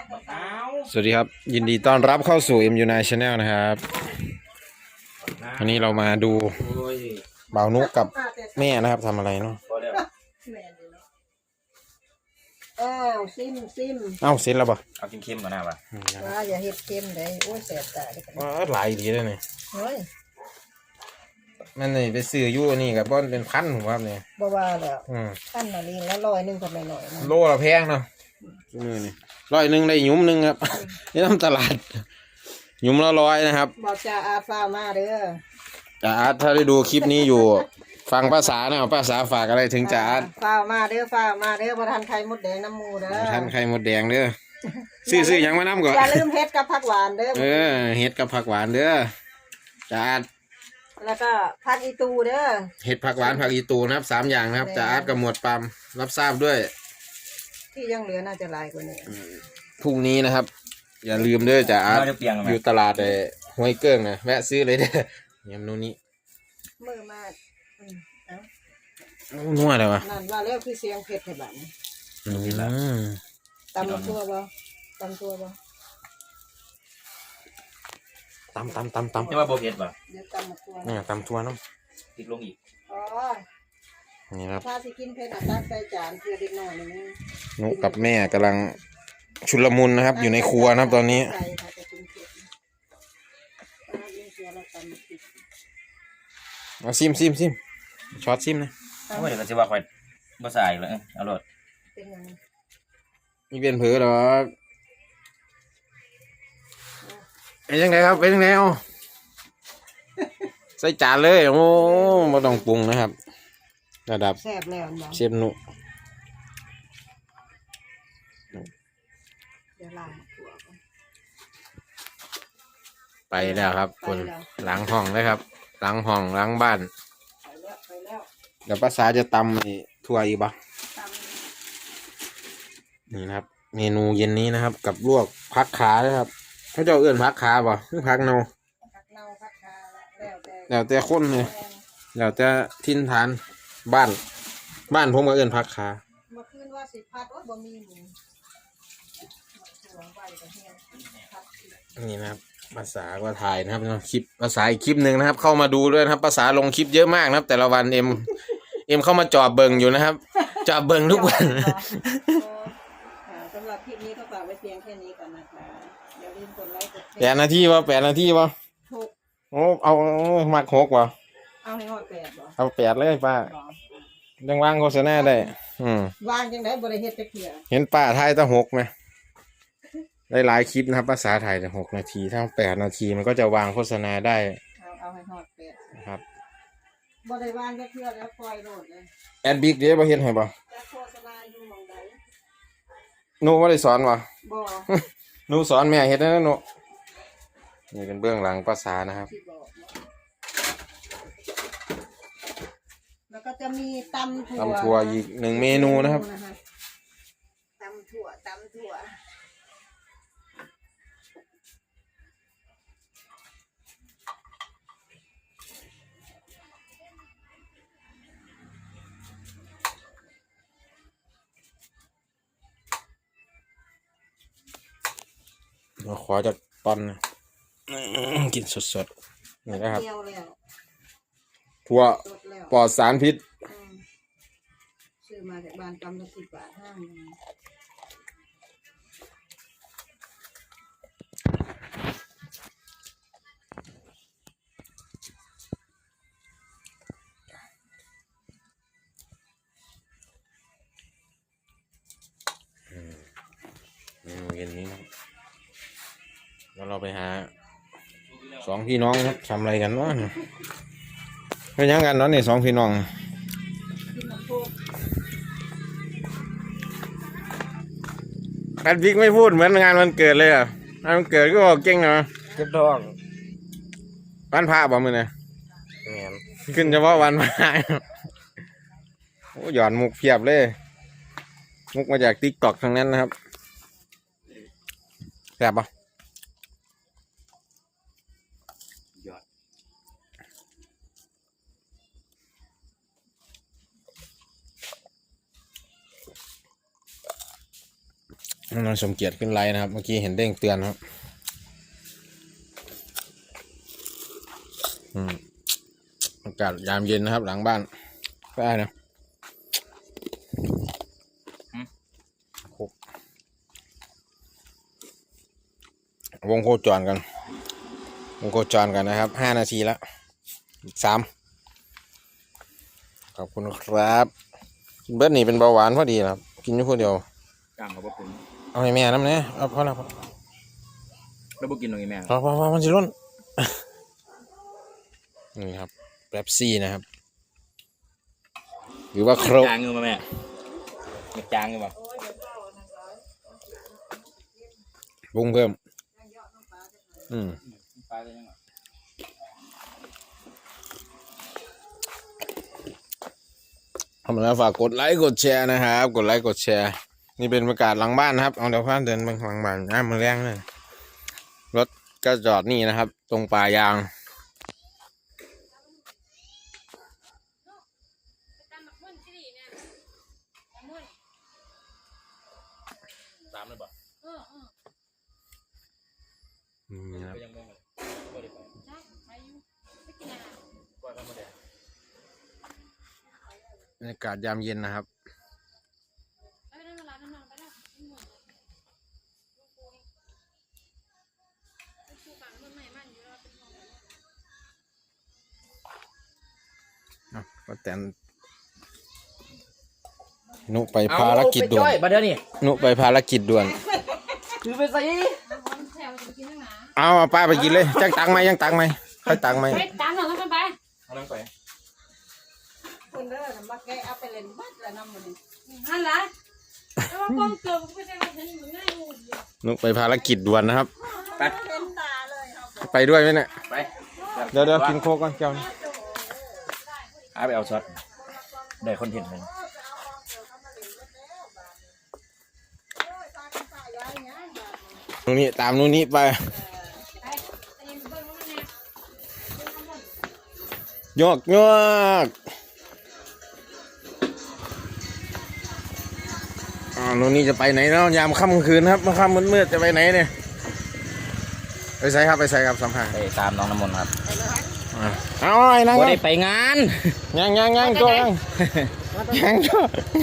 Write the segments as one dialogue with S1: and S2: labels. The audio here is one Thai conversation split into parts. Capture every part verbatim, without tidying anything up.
S1: สวัสดีครับยินดีต้อนรับเข้าสู่ เอ็ม ยู ไนน์ Channel นะครับวันนี้เรามาดูบ่าวนุกกับแม่นะครับทำอะไรเนาะ
S2: อ้าวซิมซิม
S1: เอ้าเสร็จแล้วปะ
S3: เอาเค็มๆก่อนหน้าปะ
S2: ว่าอย่าเห็ดเค็มเลยโอ้ยแสบตาเลย
S1: อ๋อหลายดีเลยเนี่ย
S2: เฮ้ย
S1: มันนี่ไปซื้ออยู่นี่กับบ้านเป็นพันผมว่าเนี่ย
S2: บ่ว่าแล้ว
S1: อืม
S2: พันน่ะลิงแล้วร้อยหนึ่งก็ไม่น้อยนะ
S1: โลละแพงเนาะนี่นี่ร้อยหนึ่งได้หยุ้มหนึ่งครับนี่ทำตลาดหยุ้มละร้อยนะครับ
S2: บอกจ่าอาฟ้ามาเด้อ
S1: จ่าอาร์ตถ้าได้ดูคลิปนี้อยู่ฟังภาษาเนี่ยภาษาฝากอะไรถึงจ่าอาร์ต
S2: ฟ้ามาเด้อฟ้ามาเด้อประทานไข่มดแดงน้ำมูเด้อ
S1: ท่านไข่มดแดงเด้อซื้อซื้อยังมาน้ำก่อน
S2: อย่าลืมเฮ็ดกับผักหวานเด้อ
S1: เออเฮ็ดกับผักหวานเด้อจ่าอาร์ต
S2: แล้วก็ผักอีตูเด้อ
S1: เห็ดผักหวานผักอีตูนะครับสามอย่างนะครับจ่าอาร์ตกับหมวดปั๊มรับทราบด้วย
S2: ที่ยังเหลือน่าจะหลายกว่านี้
S1: พรุ่งนี้นะครับอย่าลืมด้วยจ่าอาร์ตอยู่ตลาดไอ้ห้วยเกิ้งนะแวะซื้อเลยเด้อยำนู้นนี้
S2: มือมาก
S1: นัวเลยวะ
S2: นั่นว่าแล้วคือเสียงเผ็ดให้บ้านตำตัวบ่ตำตัวบ่
S1: ตำตำตำตำ
S3: นี่ว่าโบเพ็ดป่ะ
S2: เดี๋ยวตำตัว
S1: เนี่ยตำตัวน้
S3: ำติดลงอีก
S2: อ๋อ
S1: นี่ครับ
S2: ถ้าสิกินเผ็ดอ่ะตักใส่จานเพื่อเด็กน้อยนี่
S1: นุกกับแม่กำลังชุลมุนนะครับอยู่ในครัวนะครับตอนนี้เอาซิมซิมซิมช็อตซิมนะ
S3: โอ้ยเดี๋ยวก็จะว่าคอยบ่ใส่เลยเอารถ
S1: นี่เป็นเผือหรอเป็นยังไงครับเป็นยังไงเอาใส่จานเลยโอ้ไม่ต้องปรุงนะครับระดับ
S2: แซ่บแล้ว
S1: เชฟนุไปแล้วครับคนหลังห้องเลยครับหลังห้องหลังบ้านเดี๋ยวภาษาจะตำนี่ถั่วอีกบ้างนี่นะครับเมนูเย็นนี้นะครับกับลวกพักขาเลยครับเขาจะเอื่นพักขาป่ะคือพักเนาแล้วแต่คนเลยแล้วแต่ทินฐานบ้านบ้านผมก็เอื่นพักขา
S2: เมื่อคืนว่าสิพัดว่าบ่มีหมู
S1: นี่นะครับภาษาก็ถ่ายนะครับคลิปภาษาอีกคลิปหนึ่งนะครับเข้ามาดูด้วยนะครับภาษาลงคลิปเยอะมากนะครับแต่ละวันเอ็มเอ็มเข้ามาจอบเบิงอยู่นะครับจอบเบิงทุกวัน
S2: สำหรับคลิปนี้ก็ฝากไว้เพียงแค่นี้ก่อนนะคะอย่าลืมกดไลค์กดแชร์
S1: แปดนาทีวะแปดนาทีวะโอ้เอามักหกวะ
S2: เอาให้หอดแปดบ่
S1: เอาแปดเลยป้ายังวางโฆษณาได้อืม
S2: วางจังได๋บ่ได้เฮ็ดจักเทื่อ
S1: เห็นป้าไทยตั้งหกไหมได้หลายคลิปนะครับภาษาไทยแต่หกนาทีถ้าแปดนาทีมันก็จะวางโฆษณาได้
S2: เอาเอาให้หอดแปด
S1: ครับ
S2: บ่ได้วางจักเทื่อแล้วปล่อยโลดเลย
S1: แอดบิ๊กเด้บ่เฮ็ดให้บ่
S2: โฆษณาอยู่หม่องใด
S1: หนูบ่ได้สอนบ่
S2: บ่
S1: หนูสอนแม่เฮ็ดนะหนูนี่เป็นเบื้องหลังภาษานะครับ
S2: แล้วก็จะมีตำถั่ว
S1: ตำถั่วอีกหนึ่งเมนูนะครับ
S2: ตำถั่วตำถั่ว
S1: เราขอจากตอนนะกินสดๆนี่นะครับถั่วปลอดสารพิษ
S2: ซื้อมาจากบ้านกำลังสิบบาทห้าง
S1: เมนูเย็นนี้นะแล้วเราไปหาสองพี่น้องครับทำอะไรกันวะเป็นยังกันเนาะนี่สองพี่น้องแอดบิ๊กไม่พูดเหมือนงานวันเกิดเลยอ่ะงานวันเกิดก็บอกเก่งเนาะ
S3: เก็บดอง
S1: วันพระบ่มื้อนี่ขึ้นเฉพาะวันพระโอ้หย่อนมุกเพียบเลยมุกมาจากติ๊กต็อกทั้งนั้นนะครับแซ่บปะน้องสมเกียรติขึ้นไลน์นะครับเมื่อกี้เห็นเด้งเตือนครับอืมอากาศยามเย็นนะครับหลังบ้านได้นะวงโคจรกันวงโคจรกันนะครับห้านาทีแล้วอีกสามขอบคุณครับกินเบิร์ดนี่เป็นเบาหวานพอดีครับกินอยู่คนเดียว
S3: กล้ามเขาบ่เป็น
S1: เอาให้แม่น้ำเนี่ยเอาพอแล้วพอ
S3: แล้วบ่กินตรงนี้แม่
S1: พอพอพอมันจะล้น นี่ครับแป๊บซี่นะครับหรือว่าโครก
S3: จางเงือมาแม่เก็บจางเงือมา
S1: ปรุงเพิ่มอืม
S3: ปลาได้ยังไง
S1: ทำแล้วฝากกดไลค์กดแชร์นะครับกดไลค์กดแชร์นี่เป็นบรรยากาศหลังบ้านนะครับเอาเดี๋ยวข้ามเดินไปหลังบ้านน้ำมันแรงเลยรถก็จอดนี่นะครับ ตรงป่ายาง
S3: ตามเลยบ่
S1: นี่ครับ
S3: ก็ยังไม่บ่ได้ไปกว่าธรรมดา
S1: บรรยากาศยามเย็นนะครับอ่ะก็แต่นนุไปภารกิจด่วน
S3: บัดเดี๋ยวนี้
S1: นุไปภารกิจด่วน
S3: คือไปใส่
S1: เอาเอาป้าไปกินเลยจังตังไหมยังตังไหมค่อยตังไหม
S4: ไปตามหน่อยกันไป
S3: เอาน้ำไป
S2: คุณเด้อน่ะมาแกะเอาไปเล่นบัดแล้วน้ำมันนี่
S4: นั่นแหละแต่ว่ากล้องเกิดไม่ใช่ว่าฉันอยู่ง่ายงูเดียว
S1: นุไปภารกิจด่วนนะครับ
S3: ไป
S2: เล่นตาเลยเอา
S1: ไปด้วยไหมเนี่ย
S3: ไป
S1: เดี๋ยวเดี๋ยวกินโค้กก่อนแก้วนี้
S3: เอาไปเอาช็อตได้คอนเทนต์เลย
S1: ตรงนี้ตามนู้นนี้ไปโยกโยกอ่านู้นนี้จะไปไหนเนาะยามค่ำคืนครับมาค่ำมืดๆจะไปไหนเนี่ยไปใส่ครับไปใส่ครับสัมผัส
S3: ไปตามน้องน้ำมนต์ครับ
S1: อ่าเอาไอ้นั่ง
S3: บ่ได้ไปงาน
S1: ยังยังยังตัวยังยังตัว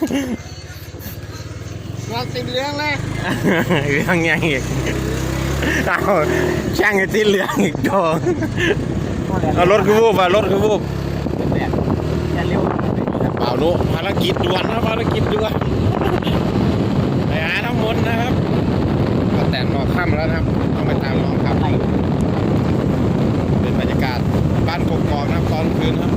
S2: เราติดเรื่องเลย
S1: เรื่องยังอีกเอาช่างไอ้ที่เหลืองอีกตัวเอารถคือวูบอ่ะรถคือวูบ
S3: อย่าเร็ว
S1: เปล่านุภารกิจด่วนนะภารกิจด่วนไปหาน้ำมนต์นะครับก็แต่งรอค่ำแล้วนะครับต้องไปตามน้องครับเป็นบรรยากาศบ้านกกอกนะครับตอนคืนครับ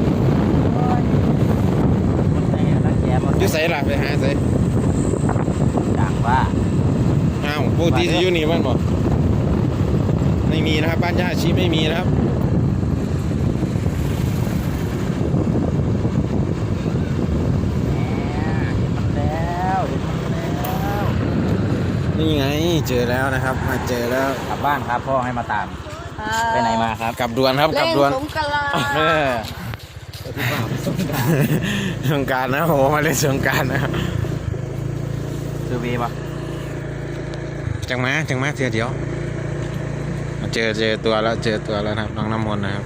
S1: อยุ่ใส่หลับไปหาใส่
S3: ต่างว่า
S1: อ้าวปกติจะอยู่นี่มันบอกไม่มีนะครับบ้านย่าชีไม่มีนะครับ
S3: แล้วแล้ว
S1: นี่ไงเจอแล้วนะครับ มาเจอแล้ว
S3: กลับบ้านครับพ่อให้มาตาม ไปไหนมาครับ
S1: กลับด่วนครับกลับ
S2: เล่น
S1: ด่วน
S2: สงกรานต์
S1: เออสงกรารนะโหมาเล่นสงกรารนะครับ
S3: ซื้อวีป่ะ
S1: จังมาจังมาเทียวเดียวมาเจอเจอตัวแล้วเจอตัวแล้วนะครับน้องน้ำมนต์นะครับ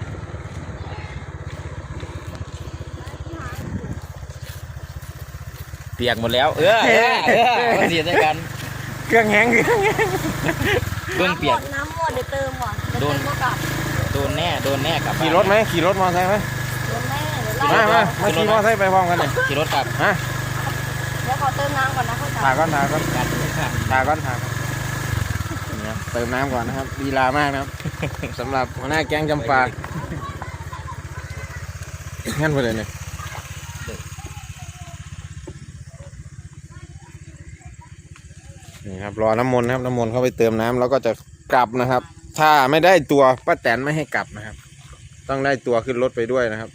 S3: เปียกหมดแล้ว เออเออเออเสียใจกัน
S1: เครื่องแห้งเครื่องแห้ง
S3: เบื้องเปียก
S2: น้ำหมดเดี๋ยวเติมก่อนเดี๋ยว
S3: โดน
S2: เติมมากลับ
S3: โดนแน่โดนแน่กลับบ้าน
S1: ขี่รถไหมขี่รถมอเตอร์ไซค์ไหม
S2: โดนแม่เดี๋ยว
S1: มา
S2: ไล่
S1: มามาขี่มอเตอร์ไซค์ไปพร้อมกันเลย
S3: ขี่รถกลับ
S1: ฮะ
S2: เดี๋ยวขอเติมน้ำก่อนนะเข้าใจ
S1: ถ่ายก่อนถ่ายก่อน
S3: กันครับ
S1: ถ่ายก่อนถ่ายก่อนนี่ครับเติมน้ำก่อนนะครับลีลามากนะครับ สำหรับหัวหน้าแก๊งจำปางั้นไปเลยเนี่ยนี่ครับรอน้ำมนต์นะครับน้ำมนต์เข้าไปเติมน้ำแล้วก็จะกลับนะครับ ถ้าไม่ได้ตัวป้าแตนไม่ให้กลับนะครับ ต้องได้ตัวขึ้นรถไปด้วยนะครับ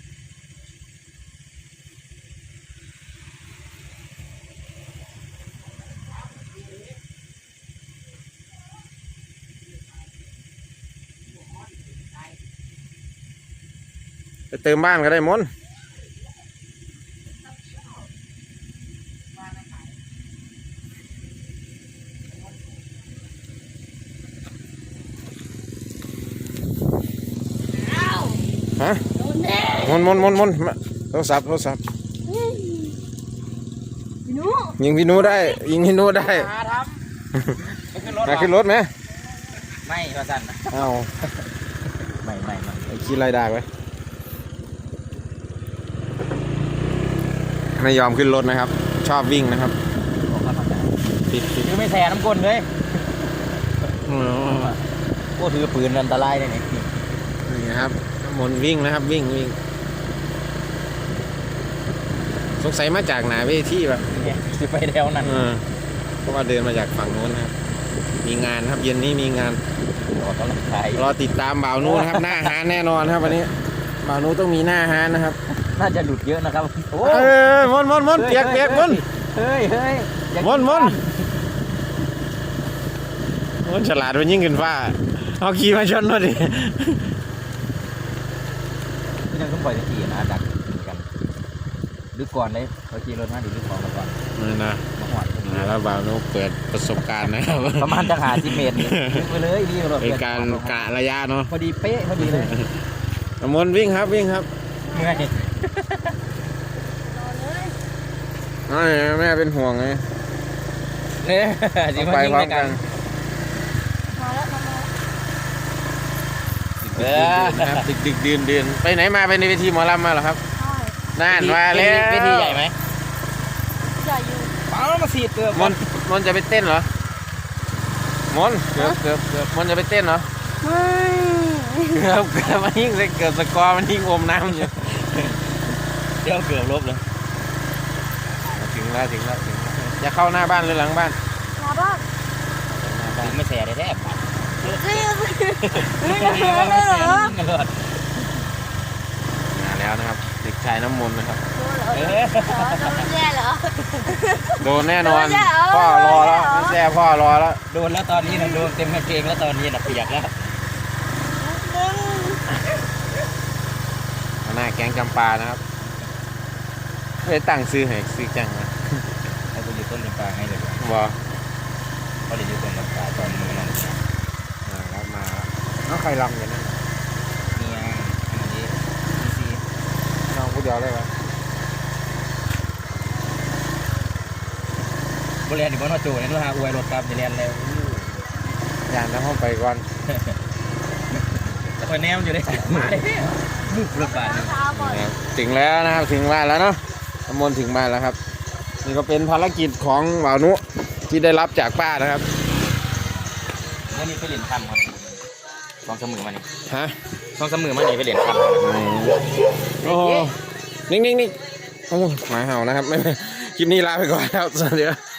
S1: ไปเติมบ้านก็ได้มนต์ฮะ
S4: โดนแน่
S1: มนมนมนมนมาโทรศัพท์โทรศัพท์
S4: พี่หนู
S1: ยิงพี่นูได้ยิงพี่นูได้
S3: หาทำไปขึ้นรถ
S1: มาขึ้นรถไหม
S3: ไม่มาสั่นนะ
S1: เอา
S3: ไม่ไม่ไม่
S1: ไอ้ขี้ไล่ได้ไว้ไม่ยอมขึ้นรถนะครับ ชอบวิ่งนะครับ
S3: บอกเขาทำได้
S1: ปิดปิด
S3: ถือไม่แส่น้ำก้นเลยโอ้ถือปืนอันตรายเลยเนี่ย
S1: นี่นะครับมนวิ่งนะครับวิ่งวิ่งสงสัยมาจากไหนเวทีแบบ
S3: สิไปแถวนั้น
S1: เออเพราะว่าเดินมาจากฝั่งโน้นนะครับมีงานครับเย็นนี้มีงาน
S3: ออกกำลังกาย
S1: รอติดตามบ่าวนู้นะครับ หน้าฮานแน่นอนครับวันนี้บ่าวนู้ต้องมีหน้าฮานนะครับ
S3: น่าจะหลุดเยอะนะครับโอ้
S1: เอ้ยมนมนมนเปียกเปียกมน
S3: เฮ้ยเฮ้ยอย่า
S1: มนมนมนฉลาดมันยิ่งขึ้นฟ้าเอาขี่มาชนมาดิ
S3: ยังต้องปล่อยตะกี้นะดักกันดึกก่อนเลยเขาขี่รถมาดิดึกของมาก่อน
S1: นี่นะ
S3: มาหอด
S1: นะแล้วบ่าวนู้เปิดประสบการณ์นะครับ
S3: ประมาณจะหาสิบเมตรดึกไปเลยดีรถ
S1: เป็นการกะระยะเนาะ
S3: พอดีเป๊ะพอดีเลย
S1: มนวิ่งครับวิ่งครับ
S3: เมื่อย
S1: น้อยแม่เป็นห่วงไง
S3: เนี่ยสิ
S1: ต้อง
S3: มา
S1: ไป
S3: ยิง
S1: พร้อ
S3: ด้ว
S1: ม
S3: ยกั
S1: กัน น
S4: มาแล้วมาแล้ว
S3: เออ
S1: นะครับดึกดึกดื่นดื่นไปไหนมาไปในเวทีหมอลำมาเหรอครับ
S4: ใช่
S1: น่านมาแล้ว
S3: เวทีใหญ่ไหม
S4: ใหญ่อยู่
S3: เอามาสีดเกือบ
S1: มนมนจะไปเต้นเหรอมนเกือบเกือบเกือบมนจะไปเต้นเหรอ
S4: ไม่
S1: เกือบเกือบมันยิ่งเกือบสกอร์มันยิ่งอมน้ำอยู่
S3: เดี๋ยวเกือบลบเลย
S1: ถึงแล้วถึงแล้วถึงแล้วจะเข้าหน้าบ้านหรือหลังบ้าน
S4: มาบ้าน
S3: ถึงไม่แสได้แทบ
S4: เฮ้ยเฮ้ยจะเห็นเลยเหรอ
S3: กันเลย
S1: มาแล้วนะครับเด็กชายน้ำมนต์นะครับ
S3: เออ
S4: โดนแย่เหรอ
S1: โดนแน่นอน
S4: โดนแล้ว
S1: พ่อรอแล้ว
S4: โดนแล้ว
S1: ไม่แซ่พ่อรอแล้ว
S3: โดนแล้วตอนนี้นะโดนเต็มกางเกงแล้วตอนนี้นะเปียกแล้ว
S1: หน้าแก๊งจำปานะครับไปตั้งซื้อให้ซื้อจังนะ
S3: ให้กูอยู่ต้นลำปางให้เลย
S1: บอ
S3: เขาเรียนอยู่ต้นลำปางตอนมือน้องเนี่ย
S1: มาแล้วมาแล้วน้องใครลำอยู่นั่น
S3: เนี่ยอันนี้ดีซี
S1: น้องผู้เดียวได้ปะ
S3: บริเวณที่บ้านว่าโจเนี่ยเราหาอวยรถครับจะเรียนแล้ว
S1: ยานแล้วห้องไปก่อน
S3: แต่คอยแนมอยู่เลยมาเลยมุกรถบาทนึง
S4: เช้าก่อน
S1: นะครับถึงแล้วนะครับถึงบ้านแล้วเนาะน้ำมนต์ถึงบ้านแล้วครับ นี่ก็เป็นภารกิจของบ่าวนุที่ได้รับจากป้านะครับ
S3: วันนี้ไปเรียนคำครับสองสามมือมานี่
S1: ฮะ
S3: สองสามมือมานี่ไปเรียนคำ
S1: โอ้โหนิ่งๆนิ่งโอ้หมาเห่านะครับไม่คลิปนี้ลาไปก่อนครับสวัสดีครับ